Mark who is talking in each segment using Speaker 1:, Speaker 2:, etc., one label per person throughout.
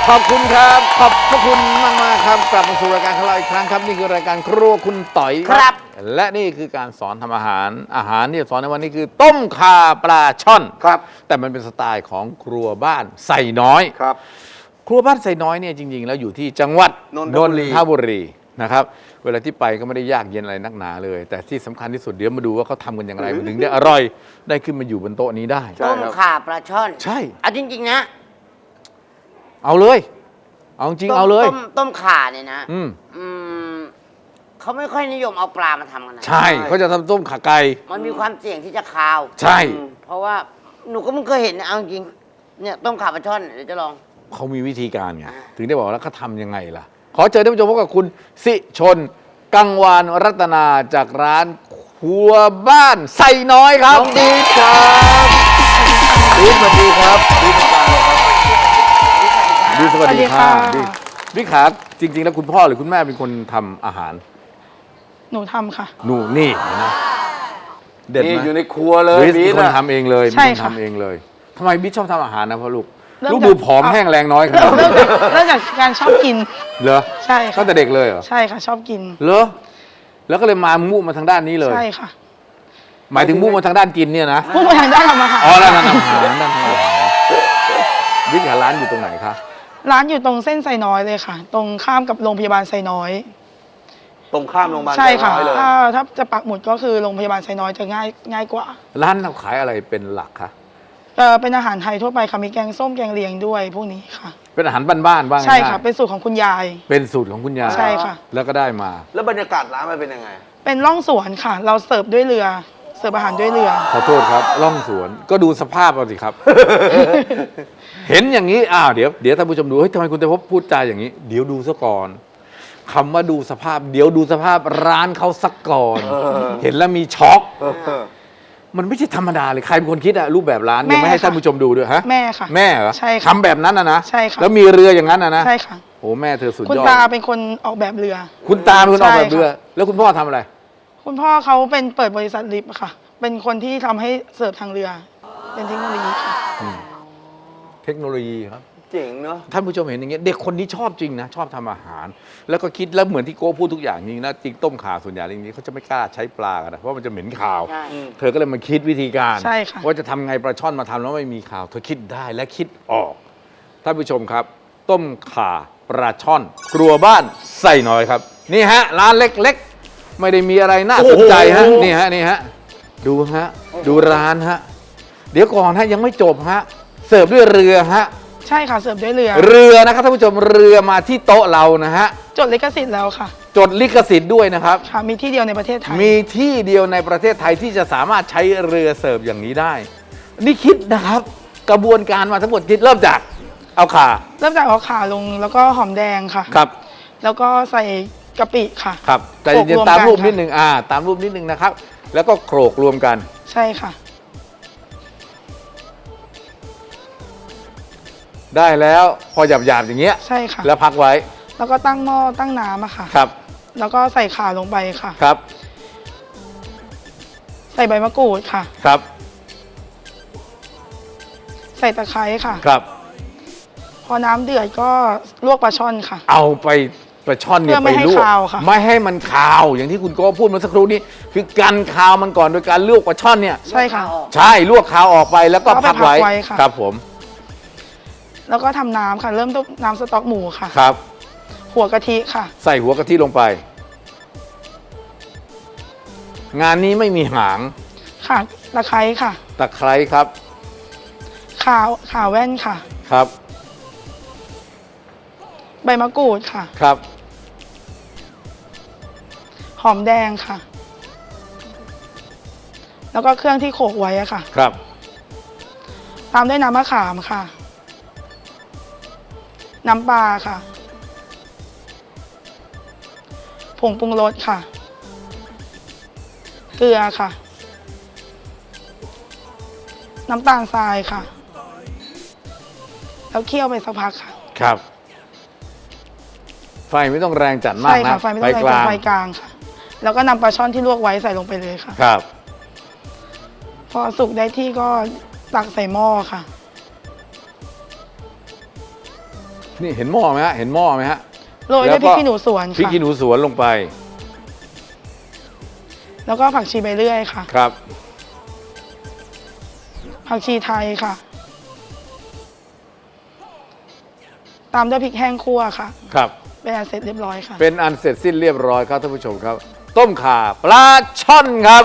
Speaker 1: ขอบคุณครับขอบพระคุณมากครับกลับมาสู่รายการของเราอีกครั้งครับนี่คือรายการครัวคุณต่อย
Speaker 2: ครับ
Speaker 1: และนี่คือการสอนทำอาหารที่จะสอนในวันนี้คือต้มข่าปลาช่อน
Speaker 2: ครับ
Speaker 1: แต่มันเป็นสไตล์ของครัวบ้านไส่น้อย
Speaker 2: ครับ
Speaker 1: ครัวบ้านไส่น้อยเนี่ยจริงๆแล้วอยู่ที่จังหวัด
Speaker 2: นนทบุรี
Speaker 1: นะครับเวลาที่ไปก็ไม่ได้ยากเย็นอะไรนักหนาเลย แต่ที่สำคัญที่สุดเดี๋ยวมาดูว่าเขาทำกันอย่างไรมันถึงได้อร่อยได้ขึ้นมาอยู่บนโต๊ะนี้ได้
Speaker 2: ใช่
Speaker 3: ต้ม
Speaker 2: ครับ
Speaker 3: ข่าปลาช่อน
Speaker 1: ใช่
Speaker 3: เอาจริงๆนะ
Speaker 1: เอาเลยเอาจริงเอาเลย
Speaker 3: ต้มข่าเนี่ยนะ
Speaker 1: อืม
Speaker 3: อืมเขาไม่ค่อยนิยมเอาปลามาทำกันนะ
Speaker 1: ใช่เขาจะทำต้มข่าไก่
Speaker 3: มันมีความเสี่ยงที่จะคาว
Speaker 1: ใช่
Speaker 3: เพราะว่าหนูก็ไม่เคยเห็นนะเอาจริงเนี่ยต้มข่าปลาช่อนเดี๋ยวจะลอง
Speaker 1: เขามีวิธีการไง
Speaker 3: อ่า
Speaker 1: ถึงได้บอกแล้วเขาทำยังไงล่ะ ขอเชิญท่านผู้ชมพบกับคุณสิชน กังวานรัตนาจากร้านครัวบ้านไส่น้อยครับดีครับดีสวัสดีครับดีสวัสดีครับดีสวัสดีค่ะดีพี่ขาจริง ๆ แล้วคุณพ่อหรือคุณแม่เป็นคนทำอาหาร
Speaker 4: หนูทำค่ะ
Speaker 1: หนูนี่เห็นะเด็ด
Speaker 2: นี่
Speaker 1: ไหม
Speaker 2: อยู่ในครัวเลย
Speaker 1: บิ๊กเป็นคน
Speaker 2: อะ
Speaker 1: ทำเองเลย
Speaker 4: ใช่
Speaker 1: เป็นคน
Speaker 4: ค่ะ
Speaker 1: ทำเองเลยทำไมบิ๊กชอบทำอาหารนะพ่อลูก
Speaker 4: เริ่ม
Speaker 1: ลูก
Speaker 4: จาก
Speaker 1: ดูผอมแห้งแรงน้อยขนาดนี้
Speaker 4: เริ่มจากการชอบกิน
Speaker 1: เหรอ
Speaker 4: ใช่ค่ะ
Speaker 1: ตั้งแต่เด็กเลยเหรอ
Speaker 4: ใช่ค่ะ ชอบกิน
Speaker 1: เหรอแล้วก็เลยมามุ่งมาทางด้านนี้เลย
Speaker 4: ใช่ค่ะ
Speaker 1: หมายถึงมุ่งมาทางด้านกินเนี่ยนะ
Speaker 4: พุ่งไปทางด้านทำอาหาร
Speaker 1: อ๋อด้านทำอาหารด้านทำอาหารบิ๊กหาร้านอยู่ตรงไหนคะ
Speaker 4: ร้านอยู่ตรงเส้นไซน้อยเลยค่ะ ตรงข้ามกับโรงพยาบาลไซน้อย
Speaker 2: ตรงข้ามโรงพยาบาล
Speaker 4: ใช่ค่ะ
Speaker 2: ไซน้อยเลย
Speaker 4: ถ้าจะปักหมุดก็คือโรงพยาบาลไซน้อยจะง่ายกว่า
Speaker 1: ร้านเราขายอะไรเป็นหลักคะ
Speaker 4: เป็นอาหารไทยทั่วไปค่ะมีแกงส้มแกงเลียงด้วยพวกนี้ค่ะ
Speaker 1: เป็นอาหารบ้านๆบ้าง
Speaker 4: ใช่ค่ะ เป็นสูตรของคุณยาย
Speaker 1: เป็นสูตรของคุณยาย
Speaker 4: ใช่ค่ะ
Speaker 1: แล้วก็ได้มา
Speaker 2: แล้วบรรยากาศร้านมันเป็นยังไง
Speaker 4: เป็นร่องสวนค่ะ เราเสิร์ฟด้วยเรือ เสิร์ฟอาหารด้วยเรือ
Speaker 1: ขอโทษครับล่องสวนก็ดูสภาพเอาสิครับ เห็นอย่างนี้เดี๋ยวท่านผู้ชมดูเฮ้ยทำไมคุณเตพบพูดจาอย่างนี้ เดี๋ยวดูซะก่อนคำว่าดูสภาพ เดี๋ยวดูสภาพร้านเขาสักก่อน เห็นแล้วมีช็อก มันไม่ใช่ธรรมดาเลยใครเป็นคนคิดอะรูปแบบร้านยังไม่ให้
Speaker 4: แม่ค่ะ
Speaker 1: ท่านผู้ชมดูด้วยฮะ
Speaker 4: แม่ค่ะ
Speaker 1: แม่เหรอ
Speaker 4: ใช่ค่ะ
Speaker 1: ทำแบบนั้นนะ
Speaker 4: ใช่ค่ะ
Speaker 1: แล้วมีเรืออย่างนั้นนะ
Speaker 4: ใช่ค่ะ
Speaker 1: โอ้แม่เธอสุด
Speaker 4: คุณ
Speaker 1: ยอด
Speaker 4: ตาเป็นคนออกแบบเรือ
Speaker 1: คุณตาเป็นคนออกแบบ
Speaker 4: ใช่ค่ะ
Speaker 1: เรือ แล้วคุณพ่อทำอะไร
Speaker 4: คุณพ่อเขาเป็นเปิดบริษัทลิฟต์อะค่ะ เป็นคนที่ทำให้เสิร์ฟทางเรือ เป็นเทคโนโลยีค่ะ
Speaker 1: เทคโนโลยีครับ
Speaker 2: เจ๋งเนาะ
Speaker 1: ท่านผู้ชมเห็นอย่างเงี้ยเด็กคนนี้ชอบจริงนะชอบทำอาหาร แล้วก็คิดแล้วเหมือนที่โก้พูดทุกอย่างจริงนะจริงต้มข่าส่วนใหญ่จริงๆเขาจะไม่กล้าใช้ปลากันนะเพราะมันจะเหม็นคาว
Speaker 3: ใช่
Speaker 1: เธอก็เลยมาคิดวิธีการ
Speaker 4: ใช่ค่ะ
Speaker 1: ว่าจะทำไงปลาช่อนมาทำแล้วไม่มีข่าว เธอคิดได้และคิดออกท่านผู้ชมครับ ต้มข่าปลาช่อนครัวบ้านใส่น้อยครับ นี่ฮะร้านเล็กๆ ไม่ได้มีอะไรน่าสนใจฮะนี่ฮะดูฮะดูร้านฮะเดี๋ยวก่อนฮะยังไม่จบฮะเสิร์ฟด้วยเรือฮะ
Speaker 4: ใช่ค่ะ เสิร์ฟด้วยเรือ
Speaker 1: เรือนะครับท่านผู้ชมเรือมาที่โต๊ะเรานะฮะ
Speaker 4: จดลิขสิทธิ์แล้วค่ะ
Speaker 1: จดลิขสิทธิ์ด้วยนะครับ
Speaker 4: ค่ะ มีที่เดียวในประเทศไทย
Speaker 1: มีที่เดียวในประเทศไทยที่จะสามารถใช้เรือเสิร์ฟอย่างนี้ได้ นี่คิดนะครับ กระบวนการมาทั้งหมดคิดเริ่มจากเอาข่า
Speaker 4: เริ่มจากเอาข่าลงแล้วก็หอมแดงค่ะ
Speaker 1: ครับ
Speaker 4: แล้วก็ใส่กะปิค่ะ
Speaker 1: ครับแต่
Speaker 4: โขลก
Speaker 1: เย็น
Speaker 4: รวม
Speaker 1: ๆตาม
Speaker 4: กัน
Speaker 1: รูปนิด
Speaker 4: ค่ะ
Speaker 1: นึงตามรูปนิดนึงนะครับ แล้วก็โขลกรวมกัน
Speaker 4: ใช่ค่ะ
Speaker 1: ได้แล้วพอหยาบๆอย่างเงี้ย
Speaker 4: ใช่ค่ะ
Speaker 1: แล้วพักไว้
Speaker 4: แล้วก็ตั้งหม้อตั้งน้ำอะค่ะ
Speaker 1: ครับ
Speaker 4: แล้วก็ใส่ข่าลงไปค่ะ
Speaker 1: ครับ
Speaker 4: ใส่ใบมะกรูดค่ะ
Speaker 1: ครับ
Speaker 4: ใส่ตะไคร้ค่ะ
Speaker 1: ครับ
Speaker 4: พอน้ำเดือดก็ลวกปลาช่อนค่ะ
Speaker 1: เอาไปปลาช่อนเนี่ย
Speaker 4: เพื่อไม่
Speaker 1: ไป
Speaker 4: ให้
Speaker 1: ลวก
Speaker 4: คาวค่ะ
Speaker 1: ไม่ให้มันคาวอย่างที่คุณโก้พูดเมื่อสักครู่นี้คือกันคาวมันก่อนโดยการลวกปลาช่อนเนี่ย
Speaker 4: ใช่ค่ะ
Speaker 1: ใช่ลวกคาวออกไปแล้วก็
Speaker 4: แล้วก็
Speaker 1: พักไว้
Speaker 4: พักไว้ค่ะ
Speaker 1: ครับผม
Speaker 4: แล้วก็ทำน้ำค่ะ เริ่มต้นน้ำสต๊อกหมูค่ะ
Speaker 1: ครับ
Speaker 4: หัวกะทิค่ะ
Speaker 1: ใส่หัวกะทิลงไป งานนี้ไม่มีหาง
Speaker 4: ค่ะตะไคร้ค่ะ
Speaker 1: ตะไคร้ครับ
Speaker 4: ข่าแว่นค่ะ
Speaker 1: ครับ
Speaker 4: ใบมะกรูดค่ะ
Speaker 1: ครับ
Speaker 4: หอมแดงค่ะ แล้วก็เครื่องที่โขลกไว้อะค่ะ
Speaker 1: ครับ
Speaker 4: ตามด้วยน้ำมะขามค่ะ น้ำปลาค่ะ ผงปรุงรสค่ะ เกลือค่ะ น้ำตาลทรายค่ะ แล้วเคี่ยวไปสักพักค่ะ
Speaker 1: ครับ ไฟไม่ต้องแรงจัดมาก
Speaker 4: ใช่
Speaker 1: นะ
Speaker 4: ค่ะ ไฟไม่ต้องแรง
Speaker 1: กลาง
Speaker 4: ไฟกลางค่ะ แล้วก็นำปลาช่อนที่ลวกไว้ใส่ลงไปเลยค่ะ
Speaker 1: ครับ
Speaker 4: พอสุกได้ที่ก็ตักใส่หม้อค่ะ ไฟ
Speaker 1: นี่เห็นหม้อไหมฮะเห็นหม้อไหมฮะ
Speaker 4: โรยด้วยพริกขี้หนูสวน
Speaker 1: พริก
Speaker 4: ค่ะ
Speaker 1: ขี้หนูสวนลงไป
Speaker 4: แล้วก็ผักชีใบเลื่อยค่ะ
Speaker 1: ครับ
Speaker 4: ผักชีไทยค่ะ ตามด้วยพริกแห้งคั่วค่ะ
Speaker 1: ครับ
Speaker 4: เป็นอันเสร็จเรียบร้อยค่ะ
Speaker 1: เป็นอันเสร็จสิ้นเรียบร้อยครับท่านผู้ชมครับ ต้มข่าปลาช่อนครับ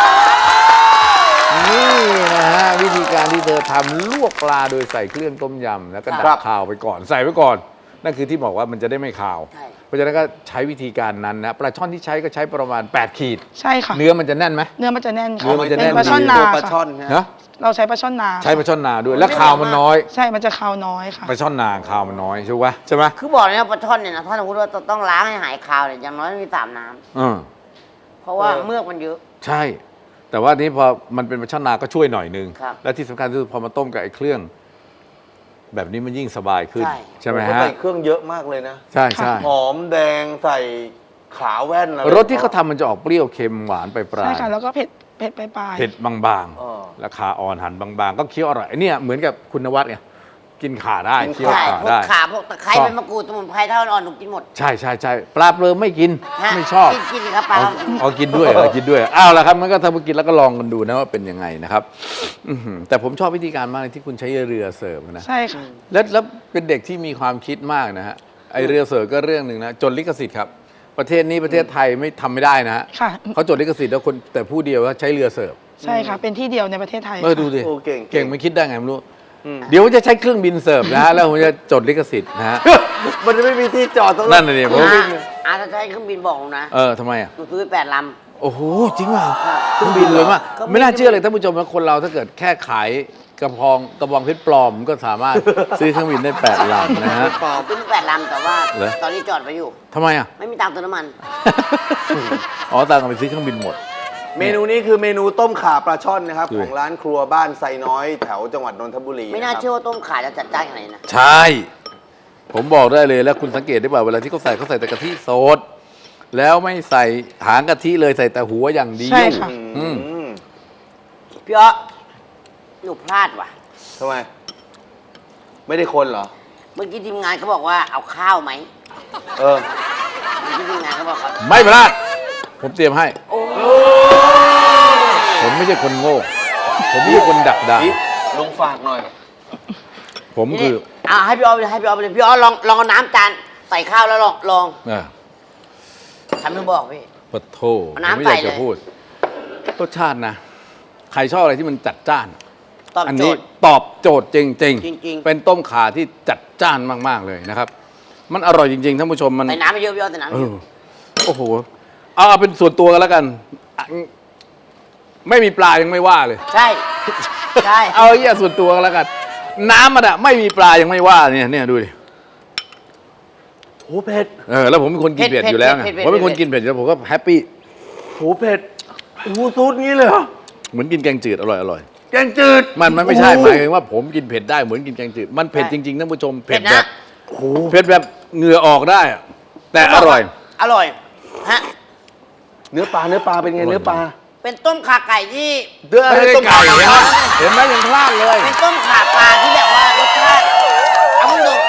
Speaker 1: นี่นะฮะวิธีการที่เธอทำลวกปลาโดยใส่เครื่องต้มยำแล้วก็ดั
Speaker 2: ครับ บ
Speaker 1: ข่าวไปก่อนใส่ไว้ก่อน นั่นคือที่บอกว่ามันจะได้ไม่ข่าว
Speaker 3: ใช่
Speaker 1: เพราะฉะนั้นก็ใช้วิธีการนั้นนะปลาช่อนที่ใช้ก็ใช้ประมาณ 8 ขีด
Speaker 4: ใช่ค่ะ
Speaker 1: เนื้อมันจะแน่นไหม
Speaker 4: เนื้อมันจะแน่นค่ะ
Speaker 1: เนื้อมันจะแน่น
Speaker 4: เป็นปลาช่อนนา
Speaker 2: ตัวปลาช่
Speaker 4: ค่ะ
Speaker 2: อนนะ
Speaker 1: นะ
Speaker 4: เราใช้ปลาช่อนนา
Speaker 1: ใช้ปลาช่อนนาด้วย และข่าวมันน้อย
Speaker 4: ใช่มันจะคาวน้อยค่ะ
Speaker 1: ปลาช่อนนาข่าวมันน้อยใช่ไหมใช่ไหม
Speaker 3: คือบอกเลยนะปลาช่อนเนี่ยนะถ้าสมมติว่าต้องล้างให้หายคาวเนี่ยอย่างน้อยต้องมี3 น้
Speaker 1: อืม
Speaker 3: ำเพราะว่าเมือกมันเยอะ
Speaker 1: ใช่ แต่ว่านี้พอมันเป็นปลาช่อนนาก็ช่วยหน่อยนึง
Speaker 3: ครับ
Speaker 1: และที่สำคัญคือพอมาต้มกับไอ้เครื่อง แบบนี้มันยิ่งสบายขึ้น
Speaker 3: ใช่
Speaker 1: ใช่ไหม
Speaker 2: เขา
Speaker 1: ฮะ
Speaker 2: ใส่เครื่องเยอะมากเลยนะ
Speaker 1: ใช่ใช่
Speaker 2: หอมแดงใส่ขาแว่นอะไร
Speaker 1: รสที่เขาทำมันจะออกเปรี้ยวเค็มหวานไปปลา
Speaker 4: ใช่
Speaker 1: ย
Speaker 4: ค่ะ แล้วก็เผ็ดปลาย
Speaker 1: เผ็ดบาง
Speaker 2: เออ
Speaker 1: ๆราคาอ่อนหั่นบางๆ ก็เคี้ยวอร่อยไอ้เนี่ยเหมือนกับคุณนวัดไงกินข่าได้
Speaker 2: กิน
Speaker 1: เคี้ยว
Speaker 3: ใช่
Speaker 1: ข่า
Speaker 3: พวก
Speaker 1: ได้
Speaker 3: ขาพวกตะไคร้
Speaker 1: ชอบ
Speaker 3: ใบมะกรูดสมุนไพรถ้าอ่อนๆหนูกินหมด
Speaker 1: ใช่ใช่ใช่ปลาเปลือไม่กิน
Speaker 3: ฮะ
Speaker 1: ไม่ชอบ
Speaker 3: กินสิครับปลา
Speaker 1: เอากินด้วยเหรอกินด้วยอ้าวแล้วครับมันก็ทำมากินแล้วก็ลองกันดูนะว่าเป็นยังไงนะครับอื้อหือแต่ผมชอบวิธีการมากเลยที่คุณใช้เรือเสิร์ฟนะ
Speaker 4: ๆใช่ค่ะ
Speaker 1: แล้วเป็นเด็กที่มีความคิดมากนะฮะไอเรือเสิร์ฟก็เรื่องหนึ่งนะจดลิขสิทธิ์ครับประเทศนี้ประเทศไทยไม่ทำไม่ได้นะฮะ
Speaker 4: ค่ะ
Speaker 1: เขาจดลิขสิทธิ์แล้วคนแต่ผู้เดียวว่าใช้เรือเสิร์ฟ
Speaker 4: ใช่ค่ะ เป็นที่เดียวในประเทศไทย
Speaker 1: ดูสิ
Speaker 2: โอ้เก่ง
Speaker 1: เก่งไม่คิดได้ไงไม่รู้
Speaker 2: อืม
Speaker 1: เดี๋ยวจะใช้เครื่องบินเสิร์ฟนะฮะแล้วผมจะจดลิขสิทธิ์นะฮะ
Speaker 2: มันจะไม่มีที่จอดตรง
Speaker 1: นั่นน่ะดิผม
Speaker 3: ถ้าใช้เครื่องบินบอกหนูนะ
Speaker 1: ทำไมอ่ะ
Speaker 3: หนูซื้อไป8 ลำ
Speaker 1: โอ้โหจริงเปล่าเครื่องบินเลยมาก
Speaker 3: เครื่องบิน
Speaker 1: ไม่น่าเชื่อเลยท่านผู้ชมว่าคนเราถ้าเกิดแค่ขายกระบองเพชรปลอมก็สามารถซื้อเครื่องบินได้8 ลำนะฮะ
Speaker 3: ซื้อไป8 ลำแต่ว่า
Speaker 1: เหรอ
Speaker 3: ตอนนี้จอดไปอยู่
Speaker 1: ทำไมอ่ะ
Speaker 3: ไม่มีตังค์เติมน้ำมัน
Speaker 1: อ๋อต่างกันไปซื้อเครื่องบินหมด
Speaker 2: เมนูนี้คือเมนูต้มข่าปลาช่อนนะครับ
Speaker 1: ดูดิ
Speaker 2: ของร้านครัวบ้านไซน้อยแถวจังหวัดนนทบุรี
Speaker 3: ไม่น่า
Speaker 2: ะครับ
Speaker 3: เชื่อว่าต้มข่าจะจัดจ้านขนาดนี้นะ
Speaker 1: ใช่ ผมบอกได้เลยแล้วคุณสังเกตได้ป่ะเวลาที่เขาใส่แต่กะทิสด แล้วไม่ใส่หางกะทิเลยใส่แต่หัวอย่างเดียว
Speaker 4: ใช่ค่ะ
Speaker 1: อืม
Speaker 2: อืม
Speaker 3: พี่อ๊อหนูพลาดว่ะ
Speaker 2: ทำไม ไม่ได้คนเหรอ
Speaker 3: เมื่อกี้ทีมงานเขาบอกว่าเอาข้าวไหม
Speaker 2: เออ
Speaker 3: เมื่อกี้ทีมงานเขาบอกว่า
Speaker 1: ไม่พลาด ผมเตรียมให้
Speaker 3: โอ้
Speaker 1: ผมไม่ใช่คนโง่ ผมไม่ใช่คนดักดาน
Speaker 2: นี่ลงฝากหน่อย
Speaker 1: ผมคือ
Speaker 3: เอาให้พี่อ๊อฟไปเลยให้พี่อ๊อฟไปเลยพี่อ๊อฟลองเอาน้ำจานใส่ข้าวแล้วลอง
Speaker 1: อ่า
Speaker 3: ทำให้บอกพี่
Speaker 1: ปะโท
Speaker 3: เอา
Speaker 1: ผม
Speaker 3: น้ำ
Speaker 1: ไม่อยาก
Speaker 3: ใส่
Speaker 1: จะ
Speaker 3: เลย
Speaker 1: พูดรสชาตินะ ใครชอบอะไรที่มันจัดจ้าน
Speaker 3: ตอบ
Speaker 1: อัน
Speaker 3: โจ
Speaker 1: นี้
Speaker 3: ทย์
Speaker 1: ตอบโจทย์จริง
Speaker 3: จริงๆ
Speaker 1: เป็นต้มข่าที่จัดจ้านมาก ๆ เลยนะครับ มันอร่อยจริง ๆ ท่านผู้ชมมัน
Speaker 3: ใส่น้ำไปเยอะพี่อ๊อฟใส่น้ำไป
Speaker 1: เอ
Speaker 3: เย
Speaker 1: อ
Speaker 3: อะ
Speaker 1: โอ้โห เอาเป็นส่วนตัวกันแล้วกันอ่ะไม่มีปลายังไม่ว่าเลย
Speaker 3: ใช่ใช่
Speaker 1: เอาเหี้ยส่วนตัวกันแล้วกัน น้ำมันอะไม่มีปลายังไม่ว่าเนี่ยดูดิ
Speaker 2: โหเผ็ด
Speaker 1: แล้วผมเป็นคนกินเผ็ดอยู่แล้วไงผมเป็นคนกินเผ็ดอยู่แล้วผมก็แฮปปี้
Speaker 2: โหเผ็ดโอ้โหซูดงี้เลยเหรอ
Speaker 1: เหมือนกินแกงจืดอร่อย
Speaker 2: แกงจืด
Speaker 1: มันไม่ใช่หมายถึงว่าผมกินเผ็ดได้เหมือนกินแกงจืดมันเผ็ดจริงๆท่านผู้ชมเผ็ดแบบ
Speaker 2: โอ้โห
Speaker 1: เผ็ดแบบเหงื่อออกได้อะแต่อร่อย
Speaker 3: อร่อยฮะ
Speaker 2: เนื้อปลาเป็นไงเนื้อปลา
Speaker 3: เป็นต้มข่าไก่ที่
Speaker 1: ไม่ได้ไก่เห็นไหมเห็นไหมยังพลาดเลย
Speaker 3: เป็นต้มข่าปลาที่แบบว่ารสชาติเอาคุณดู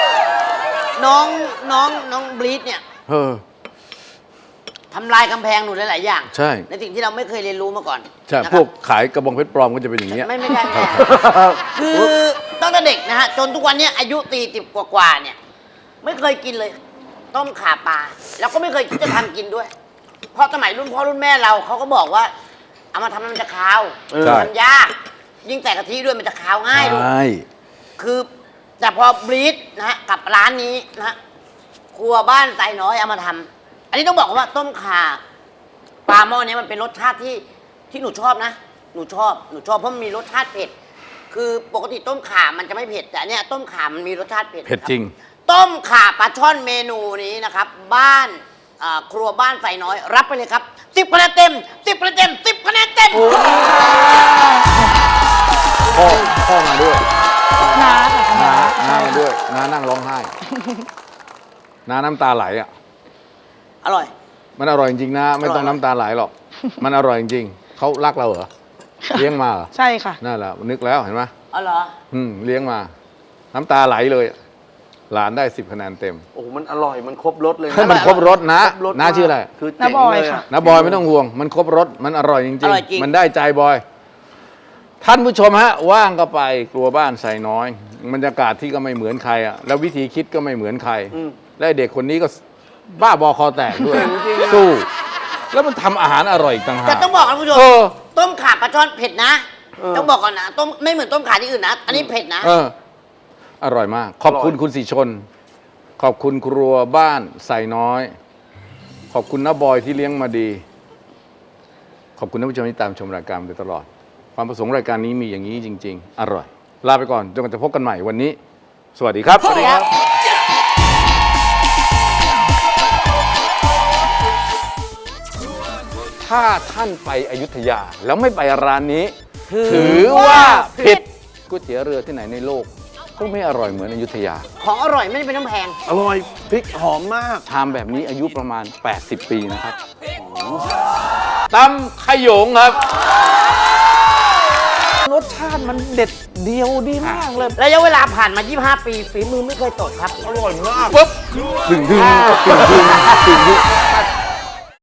Speaker 3: น้องบลีดเนี่ย
Speaker 1: เออ
Speaker 3: ทำลายกำแพงหนูหลายๆอย่าง
Speaker 1: ใช่
Speaker 3: ในสิ่งที่เราไม่เคยเรียนรู้มาก่อน
Speaker 1: ใช่
Speaker 3: นะครับ
Speaker 1: พวกขายกระบองเพชรปลอมก็จะเป็นอย่างเงี้ย
Speaker 3: ไม่ใช่แม่คือตั้งแต่เด็กนะฮะจนทุกวันเนี้ยอายุ40กว่าๆเนี่ย ไม่เคยกินเลย ต้มข่าปลาแล้วก็ไม่เคยคิดจะทำกินด้วย เพราะสมัยรุ่นพ่อรุ่นแม่เราเขาก็บอกว่า เอามาทำมันจะคาว
Speaker 1: ใช่
Speaker 3: ทำยาก ยิ่งใส่กะทิด้วยมันจะคาวง่ายด้วย
Speaker 1: ใช่
Speaker 3: คือแต่พอบรีดนะฮะกับร้านนี้นะฮะครัวบ้านไตน้อยเอามาทำอันนี้ต้องบอกว่าต้มข่าปลาหม้อนี้มันเป็นรสชาติที่หนูชอบนะหนูชอบเพราะมันมีรสชาติเผ็ดคือปกติต้มข่ามันจะไม่เผ็ดแต่อันเนี้ยต้มข่ามันมีรสชาติเผ็ด
Speaker 1: เผ็ดจริง
Speaker 3: ต้มข่าปลาช่อนเมนูนี้นะครับ บ้านครัวบ้านไตน้อย รับไปเลยครับ10 คะแนนเต็ม10 คะแนนเต็ม10 คะแนนเต็ม
Speaker 1: พ่อมาด้วย
Speaker 4: น้าค่ะ
Speaker 1: น้ามาด้วยน้านั่งร้องไห้ น้าน้ำตาไหลอ่ะ
Speaker 3: อร่อย
Speaker 1: มันอร่อยจริงๆนะไม่ต้องน้ำตาไหลหรอก มันอร่อยจริงๆเขารักเราเหรอ เลี้ยงมาเหรอ
Speaker 4: ใช่ค่ะ
Speaker 1: นั่นแหละนึกแล้วเห็นไหม
Speaker 3: อ๋อเหรอ
Speaker 1: เลี้ยงมา น้ำตาไหลเลยหลานได้10 คะแนนเต็ม
Speaker 2: โอ้โหมันอร่อยมันครบรสเลย
Speaker 1: ให้มันครบรสนะ
Speaker 2: ครบรส
Speaker 1: น้าชื่ออะไร
Speaker 2: คือ
Speaker 4: น้าบอยค่ะ
Speaker 1: นะบอยไม่ต้องห่วง มันครบรสมันอร่อยจริง
Speaker 3: อร่อยจริง
Speaker 1: มันได้ใจบอย ท่านผู้ชมฮะ ว่างก็ไปครัวบ้านใส่น้อยบรรยากาศที่ก็ไม่เหมือนใครอ่ะแล้ววิธีคิดก็ไม่เหมือนใคร และไอ้เด็กคนนี้ก็บ้าบอคอแตกด้วย สู้ แล้วมันทำอาหารอร่อยอีกต่างหาก
Speaker 3: แต่ต้องบอกนะคุณผู้ชม
Speaker 1: เออ
Speaker 3: ต้มข่าปลาช่อนเผ็ดนะ ต้องบอกก่อนนะต้มไม่เหมือนต้มข่าที่อื่นนะ อันนี้เผ็ดนะ
Speaker 1: เออ อร่อยมาก ขอบคุณคุณสีชน ขอบคุณครัวบ้านใส่น้อย ขอบคุณน้าบอยที่เลี้ยงมาดี ขอบคุณท่านผู้ชมที่ตามชมรายการมาโดยตลอด ความประสงค์รายการนี้มีอย่างนี้จริง ๆ อร่อย ลาไปก่อนจนกว่าจะพบกันใหม่วันนี้ สวัสดีครับ
Speaker 3: สวัสดีครับ
Speaker 1: ถ้าท่านไปอยุธยา แล้วไม่ไปร้านนี้ ถือว่าผิดก๋วยเตี๋ยวเรือที่ไหนในโลกก็ไม่อร่อยเหมือนอยุธยา
Speaker 3: ของอร่อยไม่ได้เป็นน้ำแพง
Speaker 2: อร่อยพริกหอมมาก
Speaker 1: ชามแบบนี้อายุประมาณ 80 ปีนะครับตำขยงครับ รสชาติมันเด็ดเดียวดีมากเลย
Speaker 3: ระยะเวลาผ่านมา 25 ปีฝีมือไม่เคยตกครับ
Speaker 2: อร่อยมาก
Speaker 1: ปุ๊บดึง